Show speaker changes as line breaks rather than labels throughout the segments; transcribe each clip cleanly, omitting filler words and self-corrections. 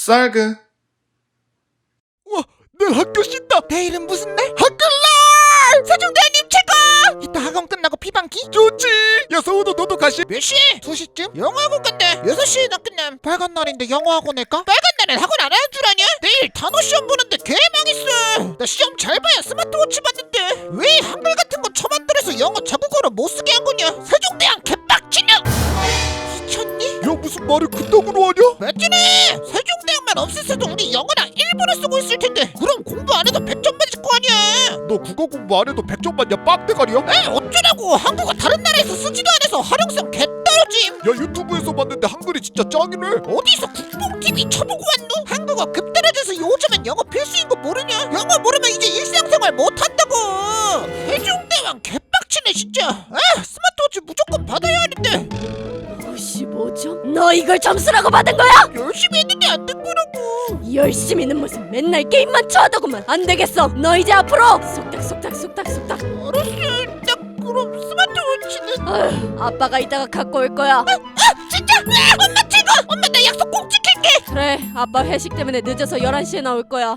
쌀그.
우와, 내일 학교 쉰다.
내일은 무슨 날?
학교날!
세종대왕님 최고! 이따 학원 끝나고 피방기?
좋지. 야 서우도 너도 가시.
몇 시? 2시쯤? 영어학원 간대. 6시에 나 끝남. 빨간 날인데 영어학원 할까? 빨간 날엔 학원 안 하는 줄 아냐? 내일 단어 시험 보는데 개망했어. 나 시험 잘 봐야 스마트워치 받는데 왜 한글 같은 거 처만들어서 영어 자국어로 못 쓰게 한 거냐? 세종대왕 개빡치네. 미쳤니?
야 무슨 말을 그따구로 하냐?
맞지네. 세종대왕만 없앴어도 우리 영어랑 일본어 쓰고 있을 텐데 그럼 공부 안 해도 100점 맞을 거 아니야.
너 국어 공부 안 해도 100점 맞냐 빡대가리야? 야
에 어쩌라고. 한국어 다른 나라에서 쓰지도 않아서 활용성 개떨어짐.
유튜브에서 봤는데 한글이 진짜 짱이네.
어디서 국뽕TV 쳐보고 왔노? 한국어 급 떨어져서 요즘엔 영어 필수인 거 모르냐? 영어 모르면 이제 일상생활 못한다고. 세종대왕 개빡치네 진짜. 아 스마트워치 무조건 받아야 하는데
55점? 너 이걸 점수라고 받은 거야?
열심히 했는데 안 된 거라고.
열심히는 무슨 맨날 게임만 쳐하더구만. 안 되겠어. 너 이제 앞으로 속닥속닥.
알았어. 딱 그럼 스마트워치는
아휴, 아빠가 이따가 갖고 올 거야.
진짜? 엄마 최고. 엄마 나 약속 꼭 지킬게.
그래, 아빠 회식 때문에 늦어서 11시에 나올 거야.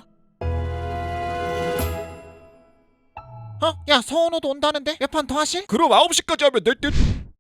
야 서은호도 온다는데 몇 판 더 하실?
그럼 9시까지 하면 될 듯.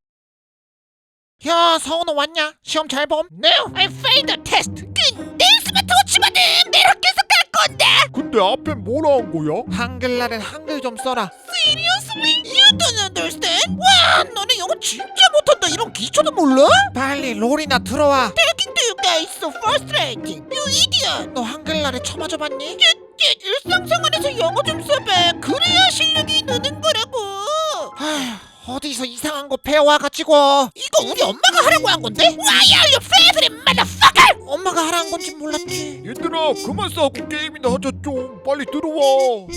야 서은호 왔냐? 시험 잘 봄? No, I failed the test. 근데 스마트워치 받음. 내일 학교에서 갈 건데.
근데 앞엔 뭐라 한 거야?
한글날엔 한글 좀 써라. Seriously? You don't understand? 와 너네 영어 진짜 못한다. 이런 기초도 몰라? 빨리 롤이나 들어와. Talking to you guys so frustrating. You idiot. 너 한글날에 쳐맞아 봤니? 일상생활에서 영어 좀 써봐. 그래야 실력이 느는 거라고. 어디서 이상한 거 배워와가지고. 이거 우리 엄마가 하라고 한 건데? Why are you favorite motherfucker? 엄마가 하라는 건지 몰랐지.
얘들아 그만 싸우고 게임이나 하자 좀. 빨리 들어와.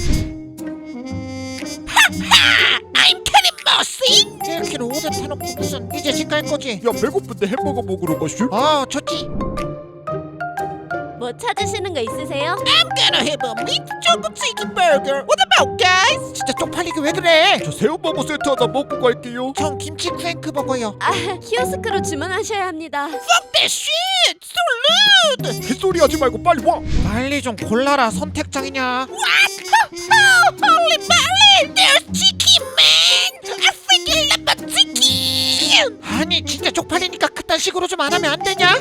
I'm Kenny Mossy. 1kg 오뎅 타놓고 무슨 이제 집 갈 거지?
야 배고픈데 햄버거 먹으러 가시?
좋지.
뭐 찾으시는 거 있으세요?
I'm gonna have a meat chocolate chicken burger. What about guys? 진짜 쪽팔리게 왜 그래?
저 새우버거 세트 하나 먹고 갈게요.
전 김치 크랭크 버거요.
아, 키오스크로 주문하셔야 합니다.
Fuck that shit. So rude.
햇소리 하지 말고 빨리 와.
빨리 좀 골라라. 선택장이냐? What? Holy moly. There's chicken man. I freaking love my chicken. 아니 진짜 쪽팔리니까 그딴 식으로 좀 안 하면 안 되냐?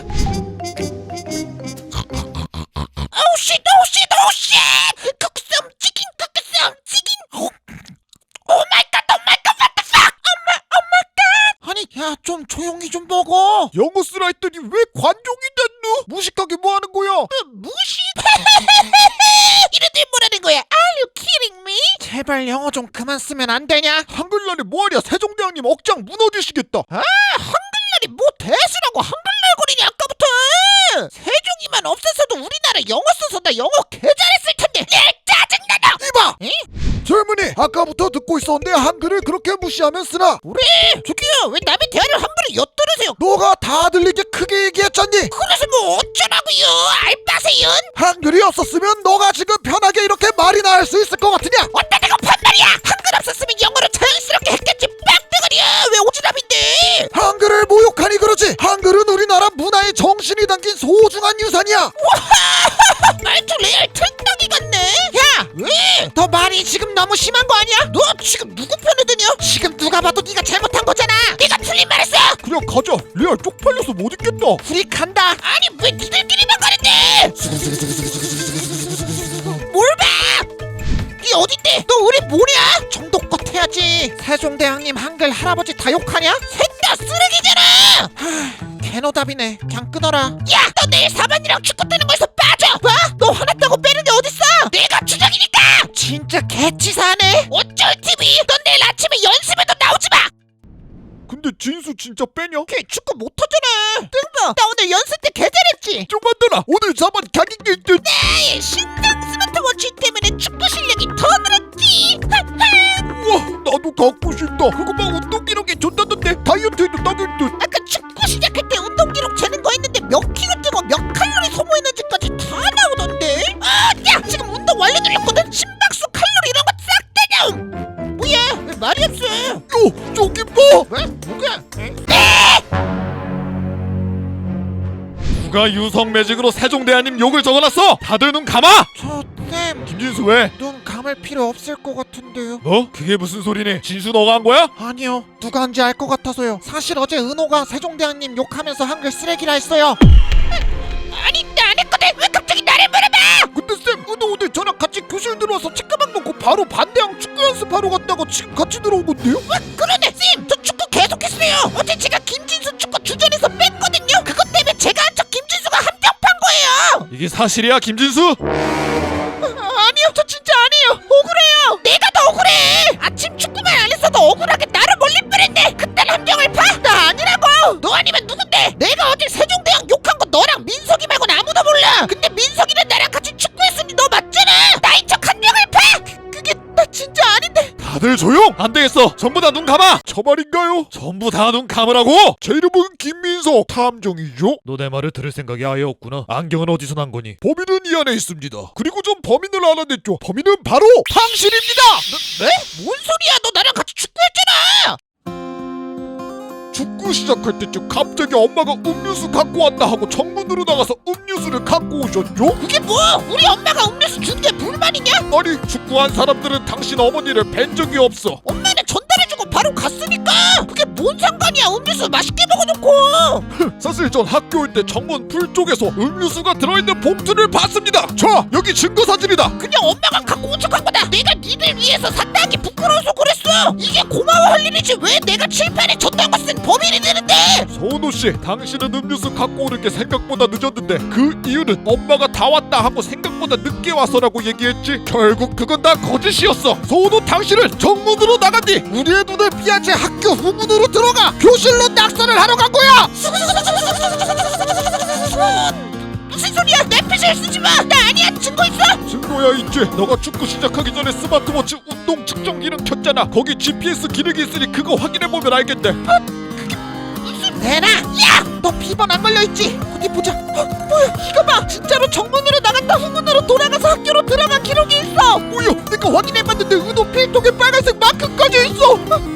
Oh shit! Cook some chicken. Oh my god! What the fuck? Oh my god! 아니 야 좀 조용히 좀 먹어.
영어 쓰라 했더니 왜 관종이 됐노? 무식하게 뭐 하는 거야?
무시? 이래들 뭐라는 거야? Are you kidding me? 제발 영어 좀 그만 쓰면 안 되냐?
한글날에 뭐하냐? 세종대왕님 억장 무너지시겠다.
한글날이 뭐 대수라고 한글날거리냐 아까부터. 세종이만 없었어도 우리나라 영어 써서 나 영어 개 잘했을 텐데. 짜증나다.
이봐!
에?
젊은이 아까부터 듣고 있었는데 한글을 그렇게 무시하면 쓰나?
뭐래? 저기요 왜 남의 대화를 함부로 엿들으세요?
너가 다 들리게 크게 얘기했잖니?
그래서 뭐 어쩌라고요? 알바세요?
한글이 없었으면 너가 지금 편하게 이렇게 말이나 할 수 있을 것 같으냐?
어따 내가 반말이야. 한글 없었으면 영어로 자연스럽게 했겠지. 빡대가리야. 왜 오지랖인데?
한글을 모욕하니 그러지. 한글은 우리나라 문화의 정신이 담긴 소중한 유산이야.
말투 레알 틀딱이 같네. 야 왜? 너 말이 지금 너무 심한 거 아니야? 너 지금 누구 편을 드냐? 지금 누가 봐도 네가 잘못한 거잖아. 네가 틀린 말 했어.
그냥 가자. 레알 쪽팔려서 못 있겠다.
우리 간다. 아니 왜 니들끼리만 가는데? 뭘 봐? 니 어딘데? 너 우리 뭐냐? 정도껏 해야지. 세종대왕님 한글 할아버지 다 욕하냐? 셋 다 쓰레기잖아. 개노답이네. 그냥 끊어라. 야, 너 내일 사반이랑 축구 뜨는 거에서 빠져. 뭐? 너 화났다고 빼는 게 어딨어? 내가 주적이니까. 진짜 개치사하네. 어쩔 TV. 넌 내일 아침에 연습에도 나오지 마.
근데 진수 진짜 빼냐?
걔 축구 못하잖아. 뜬거. 나 오늘 연습 때 개 잘했지.
쪼만들아 오늘 4번 강인게 있듯.
나의 신상 스마트워치 때문에 축구 실력이 더 늘었지.
우와 나도 갖고 싶다. 그거 막 운동 기록에 좋다던데 다이어트에도 딱일 듯.
아까 축구 시작할 때 운동 기록 재는 거 했는데 몇 킬로 뛰고 몇 칼로리 소모했는지까지 다 나오던데. 야 지금 운동 완료 눌렸거든. 심박수 칼로리 이런 거 싹 다 나옴. 뭐야 왜 말이 없어?
요 저기 봐.
왜? 누구야?
누가 누가 유성 매직으로 세종대왕님 욕을 적어놨어? 다들 눈 감아!
쌤,
김진수 왜?
눈 감을 필요 없을 것 같은데요.
뭐? 그게 무슨 소리니? 진수 너가 한 거야?
아니요, 누가 한지 알 것 같아서요. 사실 어제 은호가 세종대왕님 욕하면서 한글 쓰레기라 했어요. 아니, 나 안 했거든. 왜 갑자기 나를 물어봐?
근데 쌤, 은호 오늘 저랑 같이 교실 들어와서 책가방 놓고 바로 반대항 축구 연습하러 갔다가 지금 같이 들어온 건데요?
그러네, 쌤. 저 축구 계속했어요. 어제 제가 김진수 축구 주전에서 뺐거든요. 그것 때문에 제가 한 척 김진수가 함정판 거예요.
이게 사실이야, 김진수?
아니요, 저 진짜 아니에요. 억울해요. 내가 더 억울해. 아침 축구만 안 했어도 억울하게 나를 몰릴 뻔했네. 그딴 함정을 파? 나 아니라고. 너 아니면 누군데? 내가 어제 세종대왕 욕한 거 너랑 민석이 말고는 아무도 몰라. 근데 민석이는 나랑 같이 축구했으니 너 맞잖아. 나인 척 함정을 파? 그게 나 진짜 아닌데.
다들 조용! 안 되겠어! 전부 다 눈 감아! 저 말인가요? 전부 다 눈 감으라고! 제 이름은 김민석 탐정이죠? 너 내 말을 들을 생각이 아예 없구나. 안경은 어디서 난 거니? 범인은 이 안에 있습니다. 그리고 전 범인을 알아냈죠. 범인은 바로 당신입니다!
네? 뭔 소리야? 너 나랑 같이 축구했잖아.
축구 시작할 때쯤 갑자기 엄마가 음료수 갖고 왔다 하고 정문으로 나가서 음료수를 갖고 오셨죠?
그게 뭐? 우리 엄마가 음료수 준 게 불만이냐?
아니 축구한 사람들은 당신 어머니를 뵌 적이 없어.
엄마는 전달해주고 바로 갔으니까. 그게 뭔 상관이야? 음료수 맛있게 먹어놓고.
사실 전 학교 올 때 정문 풀 쪽에서 음료수가 들어있는 봉투를 봤습니다. 자, 여기 증거 사진이다.
그냥 엄마가 갖고 온 척한 거다. 내가 니들 위해서 샀다 하기 부끄러워서 그랬어. 이게 고마워할 일이지 왜 내가 칠판에 졌다고 쓴 범인이 되는데.
서은호 씨, 당신은 음료수 갖고 오는 게 생각보다 늦었는데 그 이유는 엄마가 다 왔다 하고 생각보다 늦게 와서라고 얘기했지. 결국 그건 다 거짓이었어. 서은호, 당신은 정문으로 나간 뒤 우리의 눈을 피한 채 학교 후문으로 들어가 교실로 낙서를 하러 간 거야.
무슨 소리야? 내 핏을 쓰지 마. 나 아니야. 증거 있어?
증거야 있지. 너가 축구 시작하기 전에 스마트워치 운동 측정 기능 켰잖아. 거기 GPS 기능이 있으니 그거 확인해보면 알겠대.
무슨 내놔. 야, 너 비번 안 걸려있지? 어디 보자. 뭐야 이거 봐. 진짜로 정문으로 나갔다 후문으로 돌아가서 학교로 들어간 기록이 있어.
뭐야, 내가 확인해봤는데 은호 필통에 빨간색 마크까지 있어.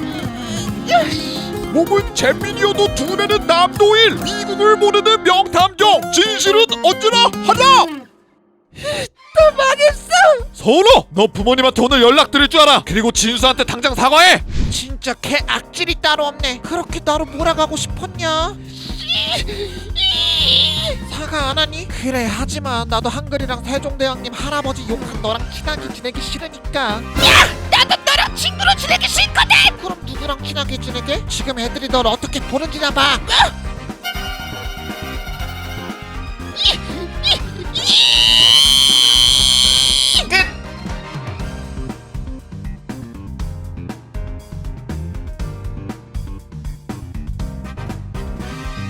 몸은 잼민이어도 두뇌는 남도일. 미국을 모르는 명탐정. 진실은 언제나 하나.
나 망했어.
서은호, 너 부모님한테 오늘 연락드릴 줄 알아. 그리고 진수한테 당장 사과해.
진짜 개 악질이 따로 없네. 그렇게 나로 몰아가고 싶었냐? 사과 안 하니? 그래 하지마. 나도 한글이랑 세종대왕님 할아버지 욕한 너랑 친하게 지내기 싫으니까. 야! 나도 너랑 친구로 지내기 싫거든! 그럼 누구랑 친하게 지내게? 지금 애들이 널 어떻게 보는지나 봐.